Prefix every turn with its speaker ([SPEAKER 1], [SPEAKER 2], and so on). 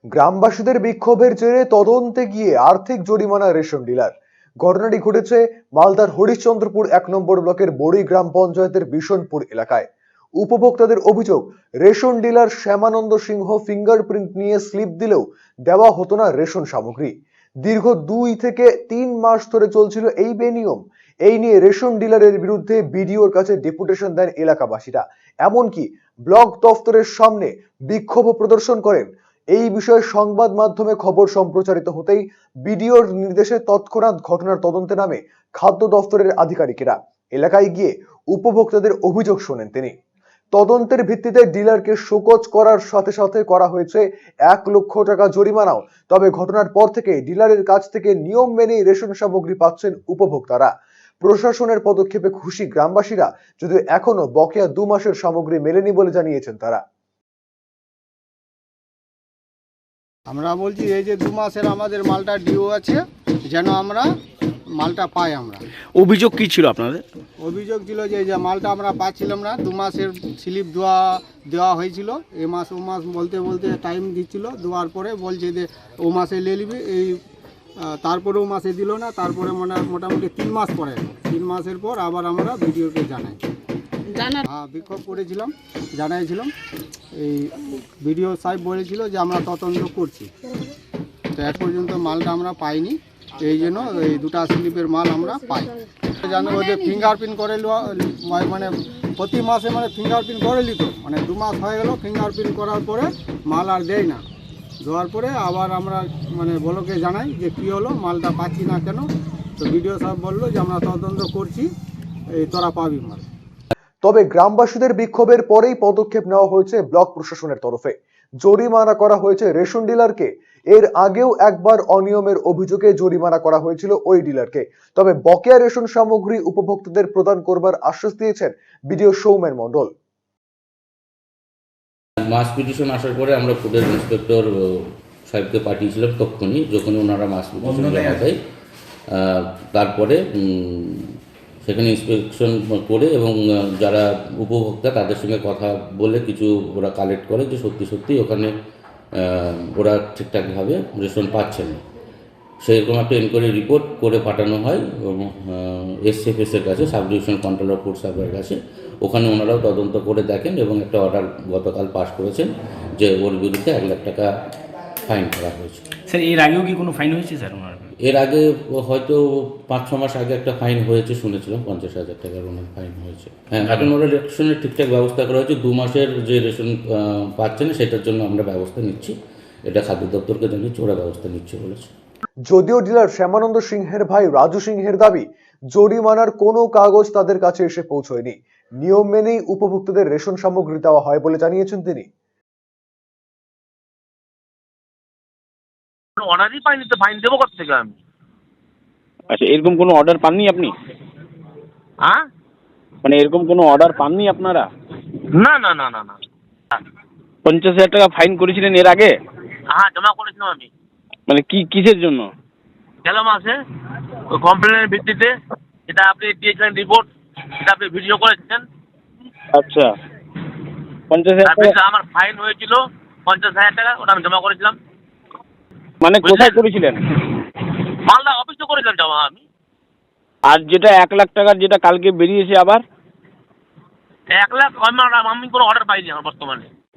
[SPEAKER 1] গ্রামবাসীদের বিক্ষোভের জেরে তদন্তে গিয়ে আর্থিক জরিমানা রেশন ডিলার। ঘটনাটি ঘটেছে মালদার হরিশ্চন্দ্রপুর ১ নম্বর ব্লকের বড়ি গ্রাম পঞ্চায়েতের বিশনপুর এলাকায়। উপভোক্তাদের অভিযোগ, ration dealer Shyamananda Singh fingerprint নিয়ে স্লিপ দিলেও দেওয়া হতো না রেশন সামগ্রী। দীর্ঘ ২ থেকে ৩ মাস ধরে চলছিল এই বেনিয়ম। এই নিয়ে রেশন ডিলারের বিরুদ্ধে বিডিওর কাছে ডেপুটেশন দেন এলাকাবাসীরা। এমনকি ব্লক দফতরের সামনে বিক্ষোভ প্রদর্শন করেন। এই বিষয়ে সংবাদ মাধ্যমে খবর সম্প্রচারিত হতেই বিডিওর নির্দেশে তৎক্ষণাৎ ঘটনার তদন্তে নামে খাদ্য দফতরের আধিকারিকেরা। এলাকায় গিয়ে উপভোক্তাদের অভিযোগ শোনেন তিনি। তদন্তের ভিত্তিতে ডিলারকে শোকজ করার সাথে সাথে করা হয়েছে ১ লক্ষ টাকা জরিমানাও। তবে ঘটনার পর থেকে ডিলারের কাছ থেকে নিয়ম মেনেই রেশন সামগ্রী পাচ্ছেন উপভোক্তারা। প্রশাসনের পদক্ষেপে খুশি গ্রামবাসীরা, যদিও এখনো বকেয়া ২ মাসের সামগ্রী মেলেনি বলে জানিয়েছেন তারা।
[SPEAKER 2] আমরা বলছি এই যে ২ মাসের আমাদের মালটা ডিও আছে, যেন আমরা মালটা পাই। আমরা
[SPEAKER 3] অভিযোগ কি ছিল আপনাদের?
[SPEAKER 2] অভিযোগ ছিল যে মালটা আমরা পাচ্ছিলাম না। ২ মাসের স্লিপ দেওয়া হয়েছিল। এ মাস ও মাস বলতে বলতে টাইম দিচ্ছিল। দেওয়ার পরে বলছে যে ও মাসে নিয়ে নিবি, এই তারপরে ও মাসে দিল না। তারপরে মোটামুটি ৩ মাস পরে, ৩ মাসের পর আবার আমরা ভিডিওকে বিক্ষোভ করেছিলাম, জানাইছিলাম। এই ভিডিও সাহেব বলেছিল যে আমরা তদন্ত করছি। তো এক পর্যন্ত মালটা আমরা পাইনি, এই জন্য এই 2টা স্লিপের মাল আমরা পাই। জানো যে ফিঙ্গারপ্রিন্ট করে মানে প্রতি মাসে মানে ফিঙ্গারপ্রিন্ট করে নিত, মানে 2 মাস হয়ে গেল ফিঙ্গারপ্রিন্ট করার পরে মাল আর দেয় না। দেওয়ার পরে আবার আমরা মানে ব্লকে জানাই যে কী হলো, মালটা পাচ্ছি না কেন। তো ভিডিও সাহেব বললো যে আমরা তদন্ত করছি, এই তোরা পাবি মাল।
[SPEAKER 1] তবে গ্রামবাসীদের বিক্ষোভের পরেই পদক্ষেপ নেওয়া হয়েছে ব্লক প্রশাসনের তরফে। জরিমানা করা হয়েছে রেশন ডিলারকে। এর আগেও একবার অনিয়মের অভিযোগে জরিমানা করা হয়েছিল ওই ডিলারকে। তবে বকেয়া রেশন সামগ্রী উপভোক্তাদের প্রদান করবার আশ্বাস দিয়েছেন বিডিও সৌমেন মণ্ডল।
[SPEAKER 4] মাস পিটিশন আসার পরে আমরা ফুডের ইন্সপেক্টর সাহেবকে পাঠিয়েছিলাম তখনই, যখন ওনারা মাস পিটিশন জমা দেয়। তারপরে সেখানে ইন্সপেকশন করে এবং যারা উপভোক্তা তাদের সঙ্গে কথা বলে কিছু ওরা কালেক্ট করে যে সত্যি সত্যি ওখানে ওরা ঠিকঠাকভাবে রেশন পাচ্ছে না। সেরকম একটা এনকোয়ারি রিপোর্ট করে পাঠানো হয় এসএফএসের কাছে, সাব ডিভিশন কন্ট্রোলার ফুড সাপ্লাইয়ের কাছে। ওখানে ওনারাও তদন্ত করে দেখেন এবং একটা অর্ডার গতকাল পাস করেছেন যে ওর বিরুদ্ধে ১ লাখ টাকা ফাইন করা হয়েছে।
[SPEAKER 3] স্যার এর আগেও কি কোনো ফাইন হয়েছে স্যার ওনার?
[SPEAKER 4] এর আগে হয়তো ৫-৬ মাস আগে একটা ফাইন হয়েছে শুনেছিলাম, ৫০,০০০ টাকার ওনার ফাইন হয়েছে। হ্যাঁ, এখন ওরা রেশনের ঠিকঠাক ব্যবস্থা করা হয়েছে। ২ মাসের যে রেশন পাচ্ছে না সেটার জন্য আমরা ব্যবস্থা নিচ্ছি। এটা খাদ্য দপ্তরকে জানিয়েছি, ওরা ব্যবস্থা নিচ্ছে বলেছে।
[SPEAKER 1] যদিও ডিলার শ্যামানন্দ সিংহের ভাই রাজু সিংহের দাবি, জরিমানার কোনো কাগজ তাদের কাছে এসে পৌঁছয়নি। নিয়ম মেনেই উপভোক্তাদের রেশন সামগ্রী দেওয়া হয় বলে জানিয়েছেন তিনি।
[SPEAKER 5] অর্ডারই পাইনি তো ফাইন দেবো কোথা থেকে আমি?
[SPEAKER 6] আচ্ছা, এরকম কোনো অর্ডার পাননি আপনি?
[SPEAKER 5] হ্যাঁ,
[SPEAKER 6] মানে এরকম কোনো অর্ডার পাননি আপনারা?
[SPEAKER 5] না না না না না
[SPEAKER 6] ৫০,০০০ টাকা ফাইন করেছিলেন এর আগে?
[SPEAKER 5] হ্যাঁ, জমা করেছিলাম আমি।
[SPEAKER 6] মানে কিসের জন্য?
[SPEAKER 5] গেল মাসে ওই কমপ্লেনের ভিত্তিতে, যেটা আপনি দিয়েছিলেন রিপোর্ট, সেটা আপনি ভিডিও করেছেন।
[SPEAKER 6] আচ্ছা, ৫০,০০০
[SPEAKER 5] তার
[SPEAKER 6] টাকা
[SPEAKER 5] ভিতরে আমার ফাইন হয়েছিল ৫০,০০০ টাকা, ওটা আমি জমা করেছিলাম।
[SPEAKER 6] মানে কোথায় করেছিলেন?
[SPEAKER 5] মালদা অফিসে করেছিলাম জমা আমি।
[SPEAKER 6] আর যেটা ১ লাখ টাকার যেটা কালকে বেরিয়েছে আবার?
[SPEAKER 5] ১ লাখ আমি কোনো অর্ডার পাইনি আমার বর্তমানে।